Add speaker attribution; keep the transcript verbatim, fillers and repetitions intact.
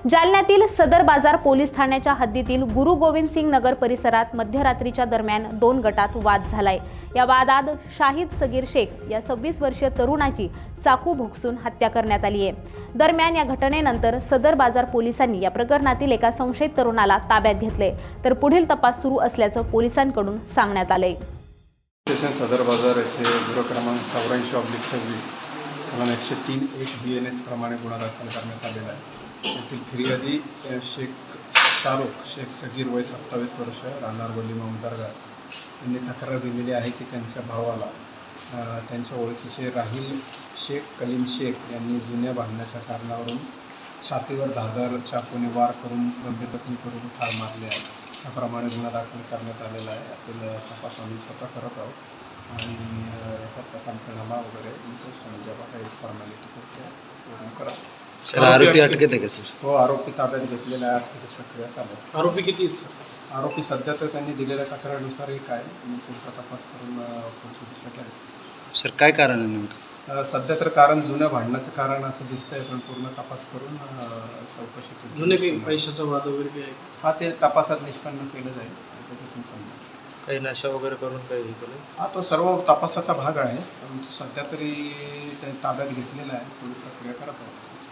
Speaker 1: जालन्यातील सदर बाजार पोलीस ठाण्याच्या हद्दीतील गुरु गोविंद सिंग नगर परिसरात मध्यरात्रीच्या दरम्यान दोन गटात वाद झालाय। या वादात शाहिद सगीर शेख या सव्वीस वर्षीय तरुणाची चाकू भोगसून हत्या करण्यात आली आहे। दरम्यान या घटनेनंतर सदर बाजार पोलिसांनी या प्रकरणातील एका संशयित तरुणाला ताब्यात घेतले, तर पुढील तपास सुरू असल्याचं पोलिसांकडून सांगण्यात आलंय।
Speaker 2: स्टेशन सदर बाजार येथे गुन्हा क्रमांक चौऱ्याऐंशी ऑब्लिक सव्वीस कलम एकशे तीन एक बी एन एस प्रमाणे गुन्हा दाखल करण्यात आलेला आहे। येथील फिर्यादी शेख शाहरुख शेख सगीर वय सत्तावीस वर्ष राहणार वलीमा उंबरगाव यांनी तक्रार दिलेली आहे की त्यांच्या भावाला त्यांच्या ओळखीचे राहिल शेख कलीम शेख यांनी जुन्या भांडण्याच्या कारणावरून छातीवर धारदार चाकूने वार करून गंभीर जखमी करून ठार मारले आहे। त्याप्रमाणे गुन्हा दाखल करण्यात आलेला आहे। यातील तपास आम्ही स्वतः करत आहोत आणि याच्यात पंचनामा वगैरे इंटरेस्ट आणि जेव्हा काही फॉर्मॅलिटीचं पूर्ण करा।
Speaker 3: सर आरोपी अटकेत आहे का सर?
Speaker 2: हो, आरोपी ताब्यात घेतलेला आहे। अटकेची प्रक्रिया चालू आहे।
Speaker 4: आरोपी किती आहेत सर?
Speaker 2: आरोपी सध्या तर त्यांनी दिलेल्या तक्रारीनुसार एक आहे आणि पुढचा तपास करून पुढची दिशा केली।
Speaker 3: सर काय कारण आहे नेमकं?
Speaker 2: सध्या तर कारण जुन्या भांडणाचं कारण असं दिसतंय, पण पूर्ण तपास करून चौकशी केली।
Speaker 4: जुने काही पैशाचा वाद वगैरे काही आहे?
Speaker 2: हा, ते तपासात निष्पन्न केलं जाईल त्याच्यातून समजा।
Speaker 5: काही नशा वगैरे करून काही हे केलं?
Speaker 2: हा, तो सर्व तपासाचा भाग आहे, परंतु सध्या तरी ते ताब्यात घेतलेला आहे। पुढील प्रक्रिया करत आहोत।